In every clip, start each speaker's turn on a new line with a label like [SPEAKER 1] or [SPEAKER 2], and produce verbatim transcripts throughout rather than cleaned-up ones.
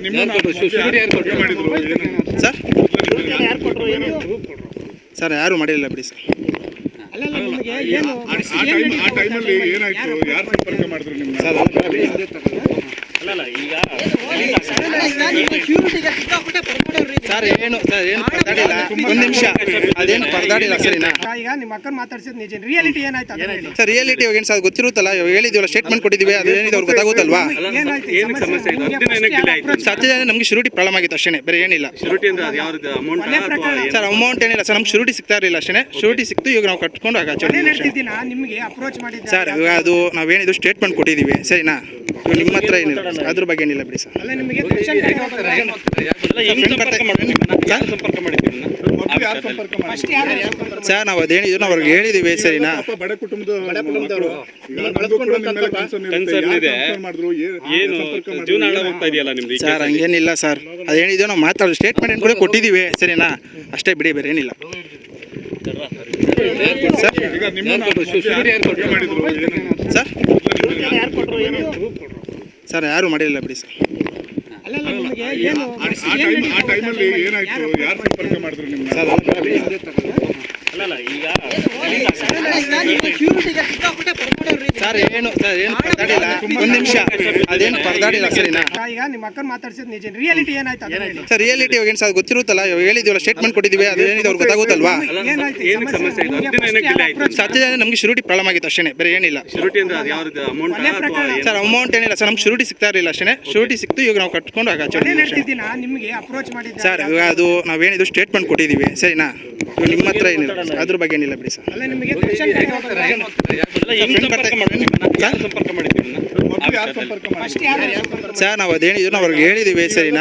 [SPEAKER 1] Sir sir ಯಾರು ಮಾಡಿಲ್ಲ ಬಿಡಿ ಸರ್. ಸರ್ ಏನು ಸರ್ ಏನು ಪರದಾಡಿಲ್ಲ, ಒಂದು ನಿಮಿಷ ಅದೇನು ಪರದಾಡಿಲ್ಲ ಸರಿನಾ.
[SPEAKER 2] ಈಗ ನಿಮ್ಮ ಅಕ್ಕನ ಮಾತಾಡ್ಸಿದ್ ನಿಜ, ರಿಯಾಲಿಟಿ ಏನಾಯ್ತು
[SPEAKER 1] ಸರ್? ರಿಯಾಲಿಟಿ ಇವಾಗ ಏನು ಸರ್ ಗೊತ್ತಿರುತ್ತಲ್ಲ, ಹೇಳಿದೀವಲ್ಲ, ಸ್ಟೇಟ್ಮೆಂಟ್ ಕೊಟ್ಟಿದ್ದೀವಿ, ಅದು ಏನಿದೆ ಅವ್ರಿಗೆ ಗೊತ್ತಾಗುತ್ತಲ್ವಾ. ಸತ್ಯ ನಮಗೆ ಶುರುಟಿ ಪ್ರಾಬ್ಲಮ್ ಆಗಿತ್ತು ಅಷ್ಟೇ, ಬೇರೆ ಏನಿಲ್ಲ. ಸರ್ ಅಮೌಂಟ್ ಏನಿಲ್ಲ ಸರ್, ನಮ್ಗೆ ಶುರುಟಿ ಸಿಗ್ತಾ ಇರಲಿಲ್ಲ ಅಷ್ಟೇ. ಶುರುಟಿ ಸಿಕ್ತು, ಇವಾಗ ನಾವು ಕಟ್ಕೊಂಡು ಆಗ
[SPEAKER 2] ನಿಮಗೆ ಅಪ್ರೋಚ್ ಮಾಡಿದ್ದೆ
[SPEAKER 1] ಸರ್. ಇವಾಗ ಅದು ನಾವೇನಿದು ಸ್ಟೇಟ್ಮೆಂಟ್ ಕೊಟ್ಟಿದ್ದೀವಿ ಸರಿನಾ, ನಿಮ್ಮ ಹತ್ರ ಏನಿಲ್ಲ, ಅದ್ರ ಬಗ್ಗೆ ಏನಿಲ್ಲ ಬಿಡಿ ಸರ್. ಸರ್ ನಾವು ಅದೇನಿದ್ರು ನಾವು ಅವ್ರಿಗೆ ಹೇಳಿದೀವಿ ಸರಿನಾ. ಸರ್ ಹಂಗೇನಿಲ್ಲ ಸರ್, ಅದೇನಿದೆಯೋ ನಾವು ಮಾತಾಡೋ ಸ್ಟೇಟ್ಮೆಂಟ್ ಕೂಡ ಕೊಟ್ಟಿದ್ದೀವಿ ಸರಿನಾ, ಅಷ್ಟೇ ಬಿಡಿ, ಬೇರೆ ಏನಿಲ್ಲ. ಸರ್ ಸರ್ ಸರ್ ಯಾರು ಮಾಡಿಲ್ಲ ಬಿಡಿ ಸರ್. ಸರ್ ಏನು ಸರ್ ಏನು ಪರದಾಡಿಲ್ಲ, ಒಂದು ನಿಮಿಷ ಅದೇನು ಪರದಾಡಿಲ್ಲ ಸರಿನಾ.
[SPEAKER 2] ಈಗ ನಿಮ್ಮ ಅಕ್ಕನ ಮಾತಾಡ್ಸಿದ್ ನಿಜ, ರಿಯಾಲಿಟಿ ಏನಾಯ್ತು
[SPEAKER 1] ಸರ್? ರಿಯಾಲಿಟಿ ಇವಾಗ ಏನು ಸರ್ ಗೊತ್ತಿರುತ್ತಲ್ಲ, ಹೇಳಿದೀವಲ್ಲ, ಸ್ಟೇಟ್ಮೆಂಟ್ ಕೊಟ್ಟಿದ್ದೀವಿ, ಅದು ಏನಿದೆ ಅವ್ರಿಗೆ ಗೊತ್ತಾಗುತ್ತಲ್ವಾ. ಸತ್ಯ ನಮಗೆ ಶುರುಟಿ ಪ್ರಾಬ್ಲಮ್ ಆಗಿತ್ತು ಅಷ್ಟೇ, ಬೇರೆ ಏನಿಲ್ಲ. ಸರ್ ಅಮೌಂಟ್ ಏನಿಲ್ಲ ಸರ್, ನಮ್ಗೆ ಶುರುಟಿ ಸಿಗ್ತಾ ಇರಲಿಲ್ಲ ಅಷ್ಟೇ. ಶುರುಟಿ ಸಿಕ್ತು, ಇವಾಗ ನಾವು ಕಟ್ಕೊಂಡು ಆಗ
[SPEAKER 2] ನಿಮಗೆ ಅಪ್ರೋಚ್ ಮಾಡಿದ್ದೆ
[SPEAKER 1] ಸರ್. ಇವಾಗ ಅದು ನಾವೇನಿದು ಸ್ಟೇಟ್ಮೆಂಟ್ ಕೊಟ್ಟಿದ್ದೀವಿ ಸರಿನಾ, ನಿಮ್ಮ ಹತ್ರ ಏನಿಲ್ಲ, ಅದ್ರ ಬಗ್ಗೆ ಏನಿಲ್ಲ ಬಿಡಿ ಸರ್. ಸರ್ ನಾವು ಅದೇನಿದ್ರು ನಾವು ಅವ್ರಿಗೆ ಹೇಳಿದೀವಿ ಸರಿನಾ.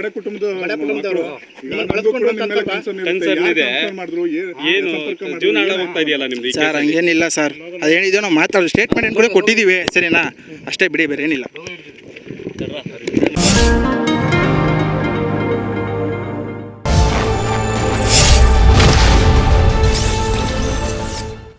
[SPEAKER 1] ಸರ್ ಹಂಗೇನಿಲ್ಲ ಸರ್, ಅದೇನಿದೆಯೋ ನಾವು ಮಾತಾಡೋ ಸ್ಟೇಟ್ಮೆಂಟ್ ಕೂಡ ಕೊಟ್ಟಿದ್ದೀವಿ ಸರಿನಾ, ಅಷ್ಟೇ ಬಿಡಿ, ಬೇರೆ ಏನಿಲ್ಲ.